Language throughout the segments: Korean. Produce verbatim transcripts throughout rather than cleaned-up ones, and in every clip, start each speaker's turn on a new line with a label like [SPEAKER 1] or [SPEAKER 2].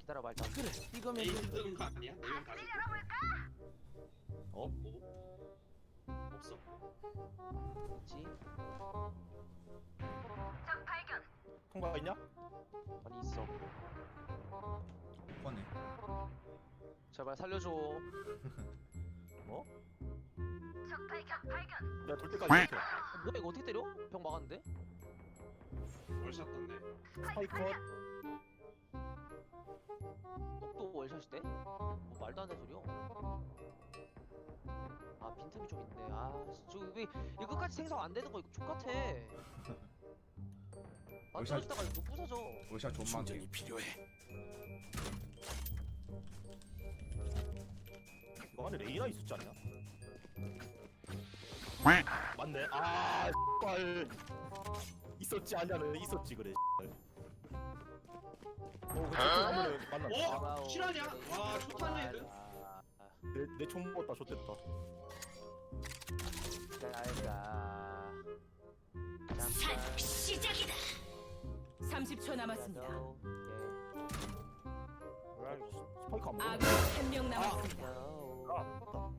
[SPEAKER 1] 기다려봐 일단. 그래 이거면
[SPEAKER 2] 에이스 뜨는 거 아니야? 네명 다 줄게.
[SPEAKER 1] 어?
[SPEAKER 2] 뭐? 없어.
[SPEAKER 1] 뭐지?
[SPEAKER 3] 통과 있냐?
[SPEAKER 1] 아니 있어.
[SPEAKER 4] 꺼네.
[SPEAKER 1] 제발 살려줘.
[SPEAKER 3] 뭐? 내가 돌 때까지 이렇게.
[SPEAKER 1] 아, 뭐야 이거 어떻게 때려? 병 막았는데?
[SPEAKER 2] 월샷 떴네.
[SPEAKER 3] 스파이컷.
[SPEAKER 1] 똑도 월샷이 때? 뭐 말도 안 되는 소리야. 아 빈틈이 좀 있네. 아저왜 이거 끝까지 생성 안 되는 거 이거 족같아.
[SPEAKER 4] 월샷-
[SPEAKER 1] 만들었다가 이거 부서져.
[SPEAKER 4] 월샷 존망이.
[SPEAKER 5] 필요해.
[SPEAKER 3] 이거 안에 레이나 있었지 않냐? 맞네. 아, 발 있었지 않냐는 있었지 그래. 어, 그 만났다.
[SPEAKER 2] 어? 실화냐? 와, 초탄 레드.
[SPEAKER 3] 내내총 먹었다. 좋댔다.
[SPEAKER 1] 잘가.
[SPEAKER 6] 산 시작이다. 삼십 초 남았습니다.
[SPEAKER 3] 스파이크 안 먹어.
[SPEAKER 6] 아군 한 명 남았습니다.
[SPEAKER 3] 아,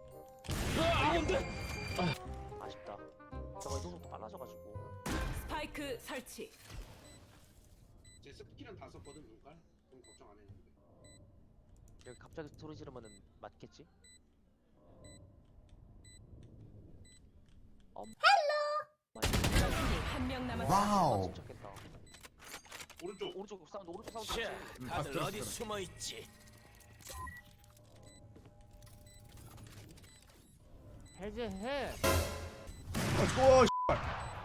[SPEAKER 1] 아쉽다. 저거 이동속도 빨라져가지고.
[SPEAKER 6] 스파이크 설치.
[SPEAKER 2] 제 스킬은 다 썼거든, 눈깔. 좀 걱정 안 했는데.
[SPEAKER 1] 여기 갑자기 소리 지르면은 맞겠지?
[SPEAKER 6] 적군이 한 명 남았습니다.
[SPEAKER 4] 와우.
[SPEAKER 1] 침착했다.
[SPEAKER 2] 오른쪽.
[SPEAKER 1] 오른쪽 사운드 오른쪽 사운드.
[SPEAKER 5] 자,
[SPEAKER 1] 같이.
[SPEAKER 5] 다들 어디 숨어 있지?
[SPEAKER 1] 해제해.
[SPEAKER 4] 어, 또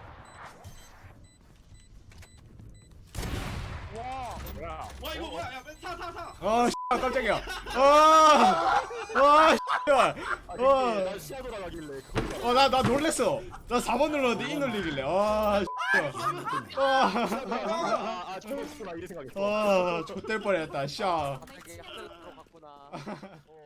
[SPEAKER 3] 야,
[SPEAKER 2] 와, 이거 뭐야? 야, 타, 타, 타.
[SPEAKER 4] 아, 씨, 깜짝이야. 아, 아, 씨.
[SPEAKER 3] 아, 근데
[SPEAKER 4] 어.
[SPEAKER 3] 난 시야 돌아가길래 그걸
[SPEAKER 4] 어, 나, 나 놀랬어. 나 사 번 눌렀는데 이 눌리길래. 아, 씨. 아,
[SPEAKER 3] 아, 아, 저거 있구나 이래 생각했어.
[SPEAKER 4] 아, 좆될 뻔했다, 씨.
[SPEAKER 1] 갑자기 학교에 들어갔구나. 어.